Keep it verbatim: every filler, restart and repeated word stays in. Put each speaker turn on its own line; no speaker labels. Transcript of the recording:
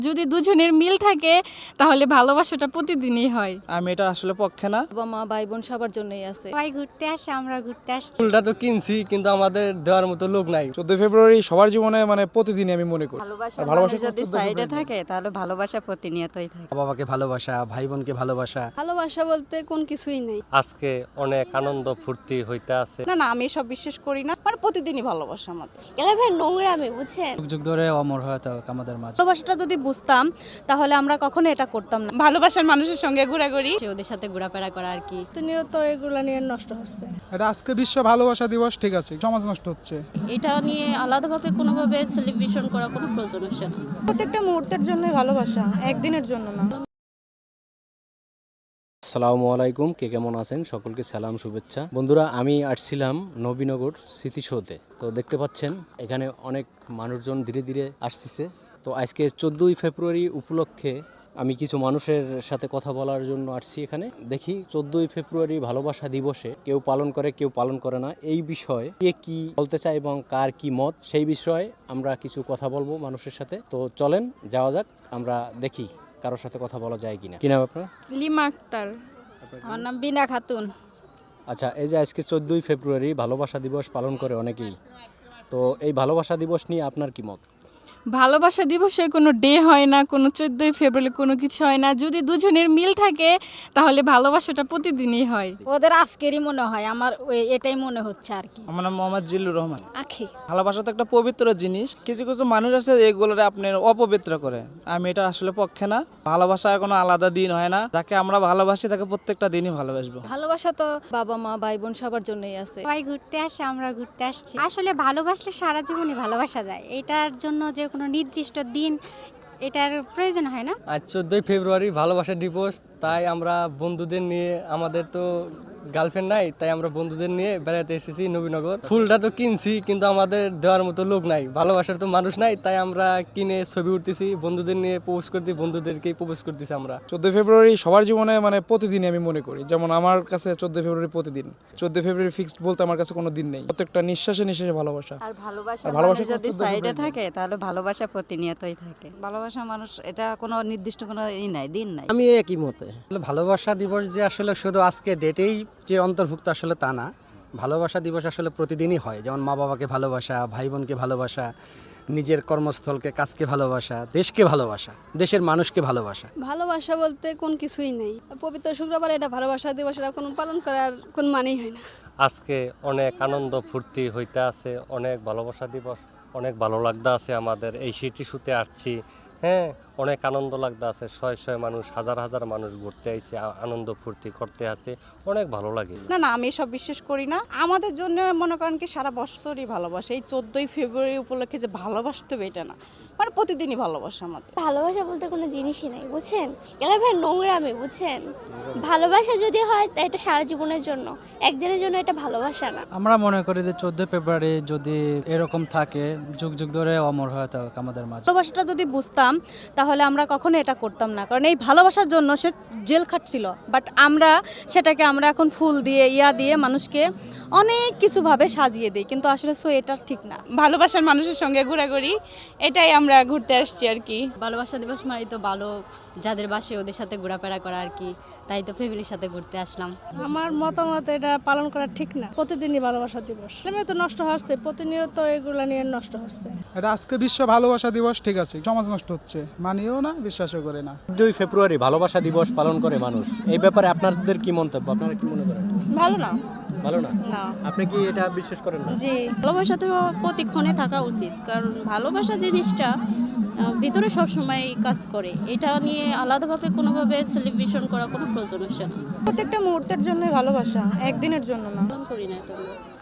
যদি দুজনের মিল থাকে তাহলে ভালোবাসাটা প্রতিদিনই হয়।
আমি এটা আসলে পক্ষে না।
বাবা মা ভাই বোন সবার জন্যই আছে।
সবাই ঘুরতে আসে, আমরা ঘুরতে আসছি।
ফুলটা তো কিনছি কিন্তু আমাদের দেওয়ার মতো লোক নাই।
চোদ্দই ফেব্রুয়ারি সবার জীবনে মানে প্রতিদিনই আমি মনে করি
ভালোবাসা
ভালোবাসা
যদি সাইডে থাকে তাহলে ভালোবাসা প্রতিনিয়তই থাকে।
বাবাকে ভালোবাসা, ভাই বোনকে ভালোবাসা।
ভালোবাসা বলতে কোন কিছুই নেই।
আজকে অনেক আনন্দ ফুর্তি হইতে আছে।
না না আমি সব বিশ্বাস করি না, মানে প্রতিদিনই ভালোবাসা আমাদের।
এলা ভাই নোংরামি বুঝছেন।
যুগ যুগ ধরে অমর হয়ে থাকুক আমাদের মাঝে।
ভালোবাসাটা যদি বুঝতাম তাহলে আমরা কখনো এটা করতাম না। ভালোবাসার মানুষের সঙ্গে ঘোরাঘুরি,
ওদের সাথে ঘোরাফেরা করা আর কি।
প্রতিনিয়ত এগুলো নিয়ে নষ্ট হচ্ছে।
এটা আজকে বিশ্ব ভালোবাসা দিবস, ঠিক আছে, সমাজ নষ্ট হচ্ছে।
এটা নিয়ে আলাদাভাবে কোনোভাবে সেলিব্রেশন করা কোনো প্রয়োজন হচ্ছে না।
প্রত্যেকটা মুহূর্তের জন্যই ভালোবাসা, একদিনের জন্য না।
আসসালামু আলাইকুম, কে কেমন আছেন? সকলকে সালাম, শুভেচ্ছা। বন্ধুরা, আমি আসছিলাম নবীনগর স্মৃতিসৌধে। তো দেখতে পাচ্ছেন এখানে অনেক মানুষজন ধীরে ধীরে আসতেছে। তো আজকে চোদ্দই ফেব্রুয়ারি উপলক্ষে আমি কিছু মানুষের সাথে কথা বলার জন্য আসছি এখানে। দেখি চোদ্দই ফেব্রুয়ারি ভালোবাসা দিবসে কেউ পালন করে, কেউ পালন করে না, এই বিষয়ে কে কি বলতে চায় এবং কার কি মত, সেই বিষয়ে আমরা কিছু কথা বলবো মানুষের সাথে। তো চলেন যাওয়া যাক, আমরা দেখি কারোর সাথে কথা বলা যায় কিনা। কি নাম আপনার?
লিমা আক্তার।
আমার নাম বিনা খাতুন।
আচ্ছা, এই যে আজকে চোদ্দই ফেব্রুয়ারি ভালোবাসা দিবস পালন করে অনেকেই, তো এই ভালোবাসা দিবস নিয়ে আপনার কি মত?
ভালোবাসা দিবসের কোনো ডে হয় না, কোনো চোদ্দই ফেব্রুয়ারি কোনো কিছু হয় না। যদি দুজনের মিল থাকে তাহলে ভালোবাসাটা প্রতিদিনই হয়।
ওদের আজকেরই মনে হয়, আমার ওই- এটাই মনে হচ্ছে আর কি।
আমার নাম মোহাম্মদ জিল্লুর রহমান।
আখি
ভালোবাসা তো একটা পবিত্র জিনিস। কিছু কিছু মানুষ আছে এগুলোরে আপনার অপবিত্র করে। আমি এটা আসলে পক্ষে না। ভালোবাসার কোনো আলাদা দিন হয় না। যাকে আমরা ভালোবাসি তাকে প্রত্যেকটা দিনই ভালোবাসবো।
ভালোবাসা তো বাবা মা ভাই বোন সবার জন্যই আছে।
সবাই ঘুরতে আসে, আমরা ঘুরতে আসছি। আসলে ভালোবাসলে সারা জীবনই ভালোবাসা যায়। এটার জন্য যে কোনো নির্দিষ্ট দিন এটার প্রয়োজন হয় না।
আজ চোদ্দই ফেব্রুয়ারি ভালোবাসা দিবস, তাই আমরা বন্ধুদের নিয়ে, আমাদের তো গার্লফ্রেন্ড নাই, তাই আমরা বন্ধুদের নিয়ে বেড়াতে এসেছি নবীনগর। ফুলটা তো কিনছি কিন্তু আমাদের দেওয়ার মতো লোক নাই, ভালোবাসার তো মানুষ নাই, তাই আমরা কিনে ছবি উঠতেছি, বন্ধুদের নিয়ে প্রপোজ করতে, বন্ধুদেরকেই প্রপোজ করতেছি আমরা।
চোদ্দই ফেব্রুয়ারি সবার জীবনে মানে প্রতিদিনই আমি মনে করি। যেমন আমার কাছে চোদ্দই ফেব্রুয়ারি প্রতিদিন। চোদ্দই ফেব্রুয়ারি ফিক্সড বলতে আমার কাছে কোনো দিন নেই। প্রত্যেকটা নিঃশ্বাসে নিঃশ্বাসে ভালোবাসা।
আর ভালোবাসা
আর ভালোবাসা
যদি
চোদ্দই
সাইডে
ফেব্রুয়ারি।
থাকে তাহলে ভালোবাসা প্রতিনিয়তই থাকে। ভালোবাসা মানুষ, এটা কোনো নির্দিষ্ট কোনো ই নাই, দিন নাই।
আমি একই মতে। ভালোবাসা দিবস যে আসলে শুধু আজকে ডেটেই যে অন্তর্ভুক্ত আসলে তা না। ভালোবাসা দিবস আসলে প্রতিদিনই হয়। যেমন মা বাবাকে ভালোবাসা, ভাই বোনকে ভালোবাসা, নিজের কর্মস্থলকে, কাজকে ভালোবাসা, দেশকে ভালোবাসা, দেশের মানুষকে ভালোবাসা।
ভালোবাসা বলতে কোন কিছুই নেই। পবিত্র শুক্রবার এটা ভালোবাসা দিবস, এটা কোনো পালন করার কোন মানেই হয় না।
আজকে অনেক আনন্দ ফুর্তি হইতে আছে, অনেক ভালোবাসা দিবস, অনেক ভালো লাগতে আছে আমাদের। এই স্মৃতিসৌধে আসছি, হ্যাঁ, অনেক আনন্দ লাগতে আছে। শয় শয় মানুষ, হাজার হাজার মানুষ ঘুরতে আইছে, আ- আনন্দ ফুর্তি করতে আছে, অনেক ভালো লাগে।
না না আমি সব বিশ্বাস করি না। আমাদের জন্য মনে করেন কি সারা বছরই ভালোবাসা। এই চোদ্দই ফেব্রুয়ারি উপলক্ষে যে ভালোবাসতে হবে এটা না, মানে প্রতিদিনই ভালোবাসা আমাদের।
ভালোবাসা বলতে কোনো জিনিসই নাই বুঝছেন। এলা ভাই নোংরামি বুঝছেন। ভালোবাসা যদি হয় তা এটা সারা জীবনের জন্য, একদিনের জন্য এটা ভালোবাসা না।
আমরা মনে করি যে চোদ্দই ফেব্রুয়ারি যদি এরকম থাকে, যুগ যুগ ধরে অমর হয়ে থাকুক আমাদের মাঝে।
ভালোবাসাটা যদি বুঝতাম তাহলে আমরা কখনো এটা করতাম না, কারণ এই ভালোবাসার জন্য সে জেল খাটছিল। বাট আমরা সেটাকে আমরা এখন ফুল দিয়ে, ইয়া দিয়ে মানুষকে অনেক কিছুভাবে সাজিয়ে দিই, কিন্তু আসলে সো এটা ঠিক না। ভালোবাসার মানুষের সঙ্গে ঘোরাঘুরি, এটাই আমরা ঘুরতে আসছি আর কি।
ভালোবাসা দিবস মানে তো ভালো, যাদের বাসে ওদের সাথে ঘোরাফেরা করা আর কি। তাই তো ফ্যামিলির সাথে ঘুরতে আসলাম।
আমার মতামত এটা পালন করা ঠিক না। প্রতিদিনই ভালোবাসা দিবস এমনি তো নষ্ট হচ্ছে, প্রতিনিয়ত এগুলো নিয়ে নষ্ট হচ্ছে।
এটা আজকে বিশ্ব ভালোবাসা দিবস, ঠিক আছে, সমাজ নষ্ট হচ্ছে, মানিও না, বিশ্বাসও করে না।
চোদ্দই ফেব্রুয়ারি ভালোবাসা দিবস পালন করে মানুষ, এই ব্যাপারে আপনাদের কি মন্তব্য? আপনারা কি মনে করেন?
ভালো না।
ভালো না?
না
আপনি কি এটা বিশ্বাস করেন না?
জি, ভালোবাসা তো প্রতিক্ষণে থাকা উচিত, কারণ ভালোবাসা জিনিসটা আহ, ভিতরে সবসময় কাজ করে। এটা নিয়ে আলাদাভাবে কোনোভাবে সেলিব্রেশন করা কোনো প্রয়োজন হচ্ছে না।
প্রত্যেকটা মুহূর্তের জন্যই ভালোবাসা, একদিনের জন্য না।
পালন করি না এটা আমরা।